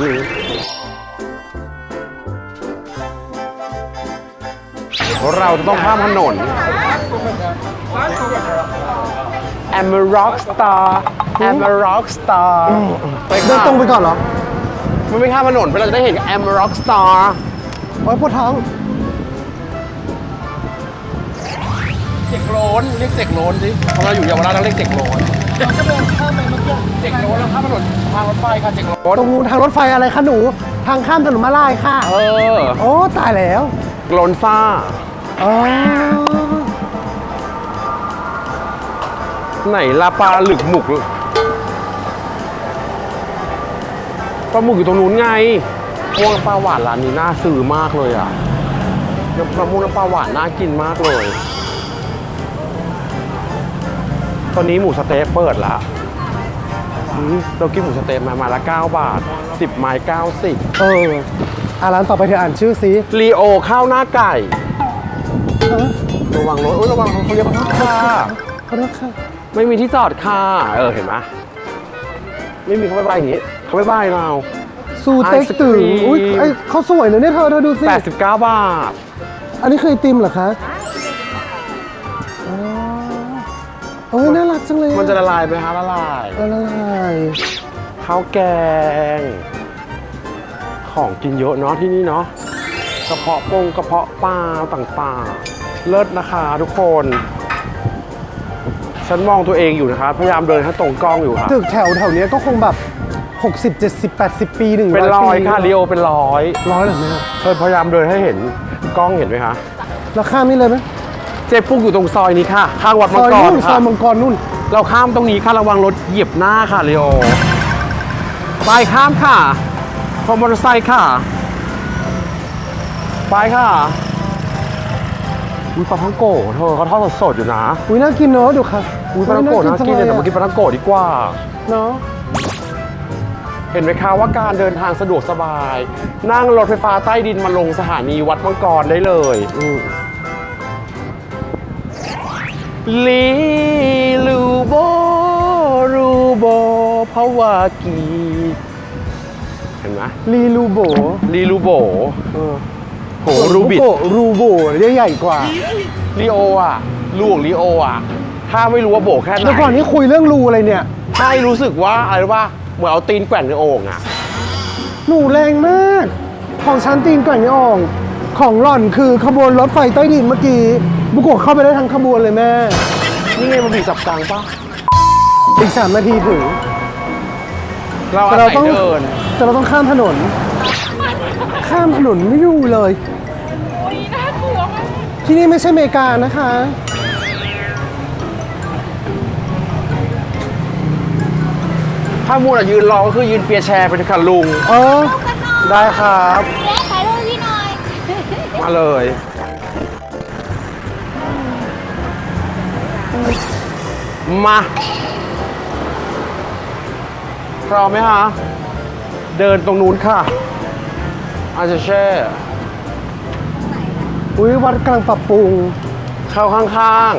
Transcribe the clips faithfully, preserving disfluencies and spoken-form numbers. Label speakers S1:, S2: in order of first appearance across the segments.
S1: นี้เราจะต้องข้ามถนน I'm a rock star I'm a rock star ไป
S2: เดินตรงไปก่อนเหรอ
S1: มันไม่ข้ามถนนไปเราจะได้เห็น I'm a rock star
S2: โอ้ยปวดท้อง
S1: เจ็กโลนเรียกเจ็กโลนสิเพราะเราอยู่เยาวราชเราเรียกเจ็กโลนเราจะเดินข้ามไปเมื่อกี้เจ็กโลนเราข้ามถนนทางรถไฟค่ะเจ็กโลน
S2: ตรงนู้นทางรถไฟอะไรคะหนู ทางข้ามถนนมาลายค่ะ
S1: เออ
S2: โอ้ตายแล้ว
S1: โลนซ่า
S2: อ๋อ
S1: ไหนลาปลาหลึกหมุกปลาหมึกอยู่ตรงนู้นไงพวงปลาหวานร้านนี้น่าซื้อมากเลยอ่ะปลาหมึกน้ำปลาหวานน่ากินมากเลยตอนนี้หมูสะเต๊ะเปิดละเรากินหมูสะเต๊ะมามาละเก้าบาทสิบไม้เก้าสิบ
S2: เอออ่ะร้านต่อไปเธออ่านชื่อสิ
S1: ลีโอข้าวหน้าไก่ระวังรถโอ้ยระวังเขาเรียกว่าค่ะ
S2: ขอโทษค่ะ
S1: ไม่มีที่จอดค่ะเออเห็นไหมไม่มีเขาไม่บายอย่างนี้เขาไม่บายเรา
S2: สูเต็กตื่นอุ้ยไอเขาสวยเลยเนี่ยเธอเธอดูสิ
S1: แปดสิบเก้าบาท
S2: อันนี้คือไอติมเหรอคะอ๋อโอ้ยน่ารักจังเลย
S1: มันจะละลายไหมคะละลาย
S2: ละลาย
S1: ข้าวแกง ของกินเยอะเนาะที่นี่เนาะกระเพาะปงกระเพาะปลาต่างๆเลิศนะคะทุกคนฉันมองตัวเองอยู่นะคะพยายามเดินให้ตรงกล้องอยู่ค่ะ
S2: ตึกแถวแถวเนี้ยก็คงแบบหกสิบ เจ็ดสิบ แปดสิบปีหนึ่ง
S1: เป็นร้อย
S2: ปี
S1: ค่ะลีโอเป็นร้อย
S2: ร้อยเหรอแม่
S1: เธอพยายามเดินให้เห็นกล้องเห็นไหมคะ
S2: เราข้ามนี่เลยไหม
S1: เจ๊ปุ๊กอยู่ตรงซอยนี้ค่ะข้างวัด
S2: ซ
S1: มัง
S2: อย
S1: กร
S2: นู่นซอ
S1: ค่ะ
S2: ยมังกรนู่น
S1: เราข้ามตรงนี้ค่ะระวังรถเหยียบหน้าค่ะลีโอไปข้ามค่ะพอมอเตอร์ไซค์ค่ะไปค่ะอุ้ยปลาท่องโกะเธอเขาทอดสดๆอยู่นะ
S2: อุ้ยน่ากินเนอะดูค่ะ
S1: อุ้ยปลาท่องโกะน่ากินเลยแต่มากินปลาท่องโกะดีกว่า
S2: เนาะ
S1: เห็นไหมคะว่าการเดินทางสะดวกสบาย นั่งรถไฟฟ้าใต้ดินมาลงสถานีวัดมังกรได้เลยลีลูโบรูโบภาวากีเห็นไหม
S2: ลีลูโบ
S1: ลีลูโบ
S2: เออ
S1: โหรูบิด
S2: โกะรูโบเรียกใหญ่กว่า
S1: ลีโออ่ะลูของลีโออ่ะถ้าไม่รู้ว่าโบแค่ไหน
S2: แล้วก่อนนี้คุยเรื่องรูอะไรเนี่ย
S1: ใช่รู้สึกว่าอะไรรู้ป่ะเหมือนเอาตีนแกว่งในโอ่งอ่ะ
S2: หนูแรงมาก ของชั้นตีนก่อนนี่อ่องของหล่อนคือขบวนรถไฟใต้ดินเมื่อกี้บุกโกะเข้าไปได้ทั้งขบวนเลยแม่
S1: นี่ไงมันบีบสับกลางป่ะ
S2: อีกสามนาทีถึง
S1: เรา
S2: แต่
S1: อา
S2: เรา
S1: ศัย
S2: ต้อง
S1: เดิน
S2: แต่เราต้องข้ามถนน ข้ามถนนไม่อยู่เลย ที่นี่ไม่ใช่อเมริกานะคะ
S1: ถ้ามูนอ่ะยืนรอก็คือยืนเปียร์แชร์ไปเลยค่ะลุง
S2: เออ
S1: ได้ครับ
S3: เล็กถ่ายรูปพี่หน่อย
S1: มาเลย มาพร้อมไหมคะ เดินตรงนู้นค่ะ อาจจะแช่
S2: อุ้ยวัดกำลังปรับปรุง
S1: เข้าข้าง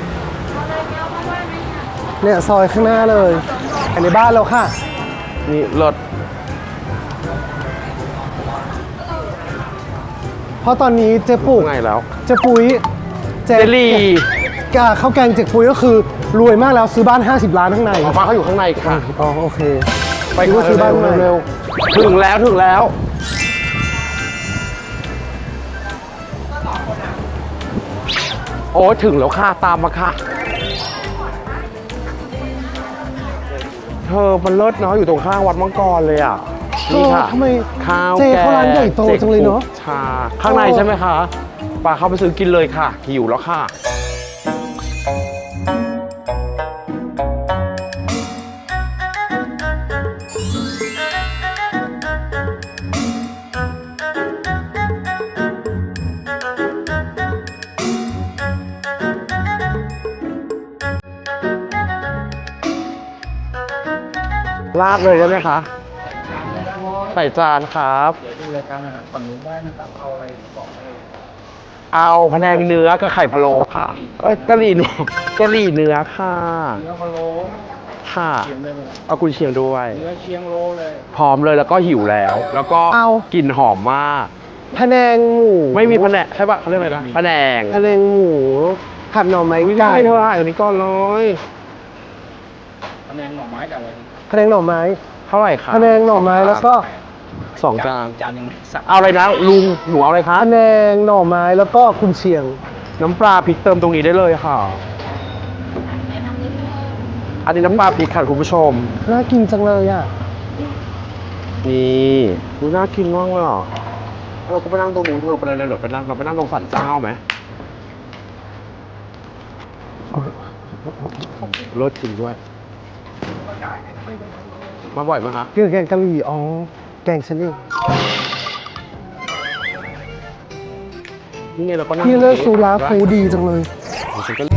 S2: เนี่ยซอยข้างหน้าเลยอันในบ้านเราค่ะ
S1: ๆ นี่รถ
S2: เพราะตอนนี้เจ๊ปุก
S1: ไงแล้ว
S2: เจ๊ปุ้ย
S1: เจลลี่
S2: กาข้าวแกงเจ๊ปุ้ยก็คือรวยมากแล้วซื้อบ้านห้าสิบล้านข้างใน
S1: ของฟ้าเขาอยู่ข้างในค่ะ
S2: อ๋อโอเค
S1: ไป
S2: นึกว่าซื้อบ้านใหม่
S1: เร็วๆถึงแล้วถึงแล้ว โอ้ถึงแล้วค่ะ ตามมาค่ะ เธอมันเลิศเนาะอยู่ตรงข้างวัดมังกรเลยอ่ะ นี่ค่ะ
S2: เออทำไม
S1: ข้าว
S2: เจ
S1: แกง
S2: เขาร้านใหญ่โตจังเลยเนอะ
S1: ชา ข้างในใช่ไหมคะปาเข้าไปซื้อกินเลยค่ะ หิวแล้วค่ะ ราดเลยได้ไหมคะ ใส่จานครับ
S4: ดูรายการอาหารฝั่งนู้นได้นะครับ เอาอะไรบอกได้เลย
S1: เอาพะแนงเนื้อกับไข่พะโล้ค่ะเอ้ยกะหรี่หนูกะหรี่เนื้อค่ะ
S4: เนื้อพะโล้
S1: ค่ะ
S4: เชียงได้ไหม
S1: เอากุนเชียงด้วย
S4: เนื้อเชียงโลเลย
S1: พร้อมเลยแล้วก็หิวแล้ว แล้วก็
S2: เอา
S1: กลิ่นหอมมาก
S2: พะแนงหมู
S1: ไม่มีแผนกใช่ปะเขาเรียกอะไรนะแผนง
S2: พะแนงหมูผัดหน่อไม้
S1: ไม่
S2: ไก่
S1: ได้เท่าไหร่อันนี้ก็ร้อย
S4: คะแนนหน่อไม้กับอะไร
S2: พะแนงหน่อไม้
S1: เท่าไหร่คะ
S2: พะแนงหน่อไม้แล้วก็
S1: สองจาน
S4: จานหนึ่งสัก
S1: เอาอะไรนะลุงหนูเอาอะไรคะ
S2: พะแนงหน่อไม้แล้วก็กุนเชียง
S1: น้ำปลาพริกเติมตรงนี้ได้เลยค่ะ อันนี้น้ำปลาพริกค่ะคุณผู้ชม
S2: น่ากินจังเลยอ่ะ
S1: นี่ดูน่ากินมากเลยอ่ะเราก็ไปนั่งตรงนู้นเธอไปเลยเหรอไปนั่งเราไปนั่งตรงสันเจ้าไหมรสจริงด้วย มาบ่อยไหมคะ
S2: เกี่ยวกับแกงกะหรี่อ๋อแกงฉันเอง
S1: นี่ไงเราก็นั่ง
S2: พี่เลิกซูราฟูดีจังเลย
S1: ฉันก็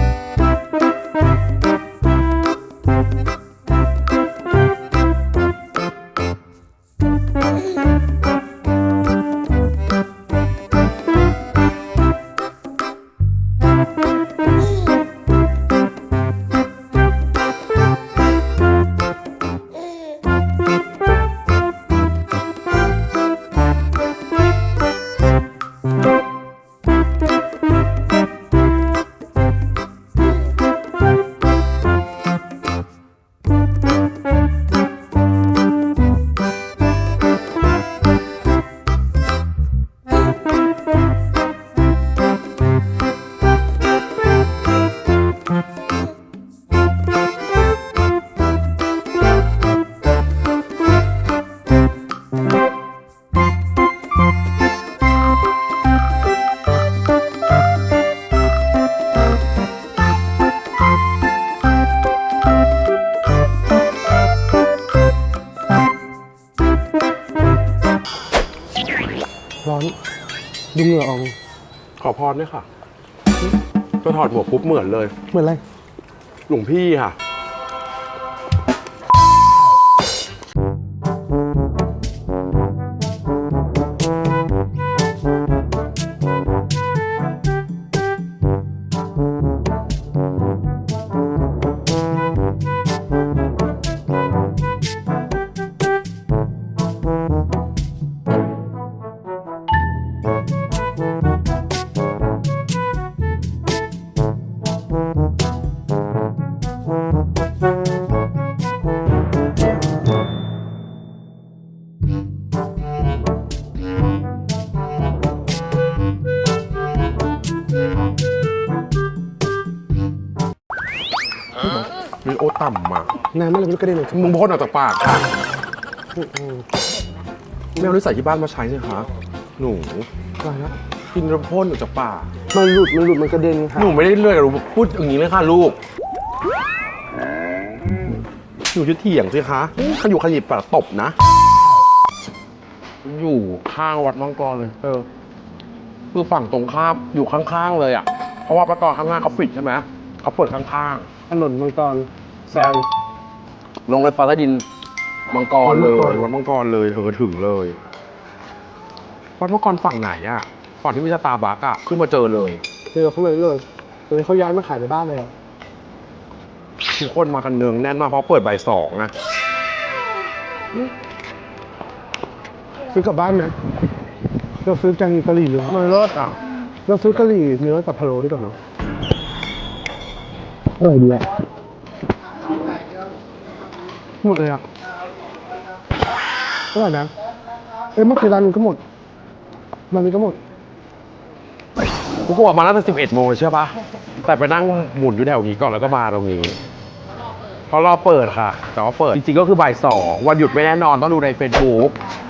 S2: ร้อนดูเหงื่อออก
S1: ขอพรด้วยค่ะก็ถอดหมวกปุ๊บเหมือนเลย
S2: เหมือนอะไร
S1: หลวงพี่ค่ะ มีโอต่ำมา
S2: น้ำอะไรไม่รู้กระเด็นออกจาก
S1: มึงพ่นออกจากปากค่ะไม่เอานิสัยที่บ้านมาใช้สิคะ หนู
S2: อะไรนะ
S1: กินแล้วพ่นออกจากปาก
S2: มันหลุดมันหลุดมันกระเด็นค่ะ
S1: หนูไม่ได้เลื่อยหนูพูดอย่างนี้เลยค่ะลูก หนูจะเถียงสิคะขยุกขยิบปากตบนะ อยู่ข้างวัดมังกรเลย เออ คือฝั่งตรงข้ามอยู่ข้างๆเลยอ่ะ เพราะว่าประกอบข้างหน้าเขาปิดใช่ไหม เขาเปิดข้าง
S2: ถนนมังกร
S1: ๆแซงลงรถไฟใต้ดินมังกรเลย วัดมังกรเลยเธอถึงเลย วัดมังกรฝั่งไหนอ่ะ ฝั่งที่มีสตาร์บัคอ่ะ ขึ้นมาเจอเลย
S2: เจอเขาเลยเลยตอนนี้เขาย้ายมาขายในบ้านเลยอะ
S1: ทุกคนมากันเนืองแน่นมากเพราะเปิดบ่ายสองอะ
S2: ซื้อกลับบ้านไหมเราซื้อแกงกะหรี่เนื้อ
S1: มันเลิศอ่ะ
S2: เราซื้อกะหรี่เนื้อกับพะโล้ดีกว่าเนาะอร่อยดีอะหมดเลยอะอร่อยนะเอ้ยเมื่อกี้ร้านนี้ก็หมดร้านนี้ก็หมด
S1: กูก็ออกมาตั้งแต่สิบเอ็ดโมงเลยเชื่อปะแต่ไปนั่งหมุนอยู่แถวนี้ก่อนแล้วก็มาตรงนี้เพราะรอเปิดค่ะ แต่ว่าเปิดจริงๆก็คือบ่ายสองวันหยุดไม่แน่นอนต้องดูในเฟซบุ๊ก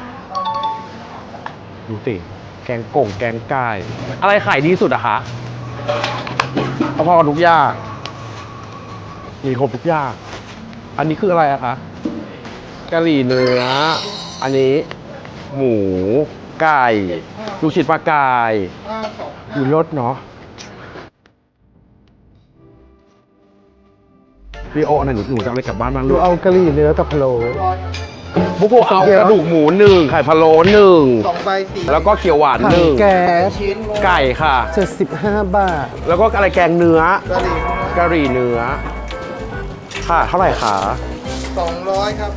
S1: ดูสิแกงก่งแกงไก่อะไรขายดีสุดอะคะพอๆกับทุกอย่างมีครบทุกอย่างอันนี้คืออะไรอะคะกะหรี่เนื้ออันนี้ หมูไก่ลูกชิ้นปลากายมีรสเนาะพี่โอ้อันไหนหนูหนูจะเอาอะไรกลับบ้านบ้าง
S2: ดู
S1: ลูก
S2: เอากะหรี่เนื้อกับพะโล้
S1: บุกโกะเอากระดูกหมูหนึ่งไข่พะโล้หนึ่ง
S4: สองใบสี่
S1: แล้วก็เขียวหวาน
S2: ถั
S1: ห
S2: ง
S1: นึ่ง
S2: แก๊ส
S4: ชิ้น
S1: ไก่ค่ะ
S2: เจ็ดสิบห้าบาท
S1: แล้วก็อะไรแกงเนื้อก
S4: ะหรี่
S1: กะหรี่เนื้อค่ะ เท่าไหร่คะ
S2: สองร้อยครับ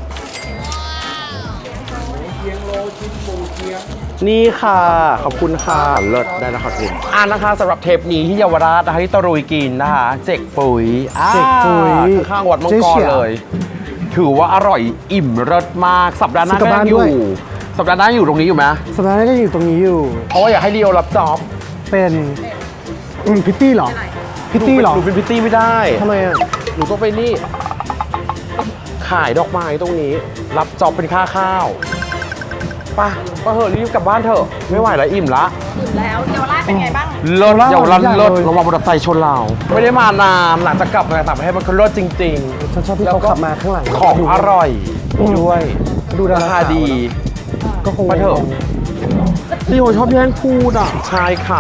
S4: เคียงโลชิ้นปูเคียง
S1: นี่ค่ะ ขอบคุณค่ะ เลิศได้แล้วค่ะคุณอ่านะคะสำหรับเทปนี้ที่เยาวราชนะคะที่ตะรุยกินนะคะ เจกปุ๋ยอ่า
S2: เจ๊กปุ๋ย
S1: ข้างๆวัดมัง
S2: เจ๊
S1: ก
S2: เฉี
S1: ร
S2: ย
S1: เลย ถือว่าอร่อยอิ่มเลิศมาก สัปดาห์หน้า
S2: ซื้อกลั
S1: ก็
S2: บ
S1: ยังอ
S2: บ้านด้
S1: ยู่
S2: วย
S1: สัปดาห์หน้าอยู่ตรงนี้อยู่ไหม
S2: สัปดาห์หน้าก็อยู่ตรงนี้อยู่
S1: เพราะว่าอยากให้ลีโอรับจ็อบ
S2: เป็นอืมพิตตี้เหรอ พิตตี้เหรอ
S1: หนูเป็นพิตตี้ไม่ได้
S2: ทำไมอ่ะ
S1: หนูต้องไปนี่ ขายดอกไม้ตรงนี้ รับจ็อบเป็นค่าข้าวไป่ะก็เถอะรีบกลับบ้านเถอะ ไม่ไหวแล้วอิ่มละ
S3: แล้วเยาวราชเป็นไงบ้าง
S1: เลิศเยาวราช
S2: ใหญ่เลย
S1: เลิศระวังมอเตอร์ไซค์ชนเรา ไม่ได้มานานหลังจากกลับมาจากต่างประเทศมันก็เลิศจริง
S2: ฉันชอบที่เขาขับมาข้างหลัง
S1: ๆ ของอร่อยด้วย
S2: ดูดา
S1: รา
S2: รา
S1: คาดี
S2: ก็คง
S1: มาเถอะพี่โอชอบแย่งพูดอ่ะใช่ค่ะ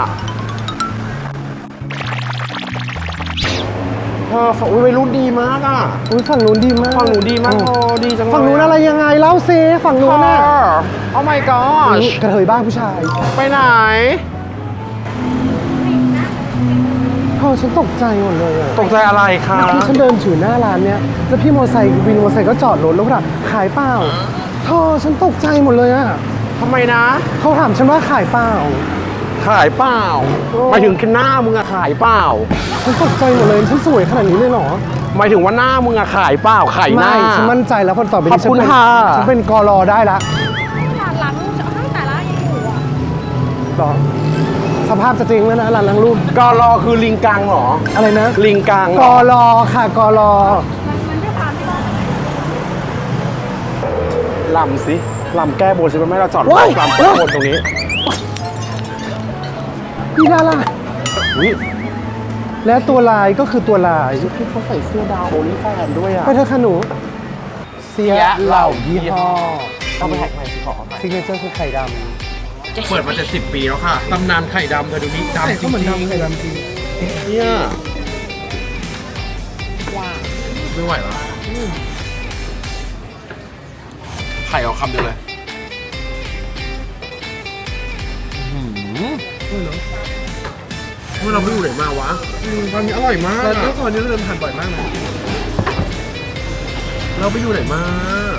S1: เธอฝั่งวัยรุ่นดีมากอ่ะ
S2: อุ้ยฝั่งนู้นดีมาก
S1: ฝั่งหนูดีมากโอ้ดีจังเลย
S2: ฝั่งนู้นอะไรยังไงเล่าซิฝั่งนู้นน่ะ
S1: โอ้ my god
S2: กระเทยบ้างผู้ชาย
S1: ไปไหน
S2: เธอฉันตกใจหมดเลยอะ
S1: ตกใจอะไรคะ
S2: เมื่อกี้ฉันเดินถือหน้าร้านเนี้ยแล้วพี่มอเตอร์ไซค์วินมอเตอร์ไซค์ก็จอดรถแล้วก็ถามขายเปล่าเธอฉันตกใจหมดเลยอะ
S1: ทำไมนะ
S2: เขาถามฉันว่าขายเปล่า
S1: ขายเปล่า
S2: โอ้
S1: หมายถึงหน้ามึงอะขายเปล่า
S2: ฉันตกใจหมดเลยฉันสวยขนาดนี้เลยเหรอ
S1: หมายถึงว่าหน้ามึงอะขายเปล่าขายหน้า
S2: ไม่ฉันมั่นใจแล้วพอต่อไป
S1: ขอบ
S2: นี้ฉัน
S1: คุณ
S2: เป็น
S1: ค่ะ
S2: ฉันเป็นกรอได้ละ
S3: ร้านล้างห้างแต่ละยังอยู่อ่ะ
S2: หรอสภาพจะจริงแล้วนะร้านล้างรูป
S1: กรอคือลิงกังเหรอ
S2: อะไรนะ
S1: ลิงกังเห
S2: ก
S1: รอ
S2: รอค่ะกรอ
S3: มันด้วยความที่เรา
S1: ลำสิลำแก้บนสิมันไม่ให้เราจอดรถ
S2: ว้าย
S1: ลำแก้บนตรงนี้
S2: พี่ดารา
S1: อุ๊ย
S2: และตัวลายก็คือตัวลาย
S1: พี่เขาใส่เสื้อดาวโอลิแฟนด้วยอะ
S2: ไปเถอะค่ะหนู เสียเหล่ายี่ห้อ
S1: เอาไปแท็กใหม่สิขอเอาไป
S2: ซิกเนเจอร์คือไข่ด
S1: เปิดมาจะสิบปีแล้วค่ะตำนานไข่ดำเธอดูนี่
S2: ำ
S1: ดำจริง
S2: เขาเหมือนดำไข่ดำจริง
S1: ๆเนี่ยไม่ไหวแล้วไข่เอาคำเดียวเลยอื้อหือเมื่อเราไปอยู่ไหนมาวะตอนนี้อร่อยมาก
S2: แล้ว
S1: อะ
S2: ก็ตอนนี้เราเดินผ่านบ่อยมากนะ
S1: เราไปอยู่ไหนมา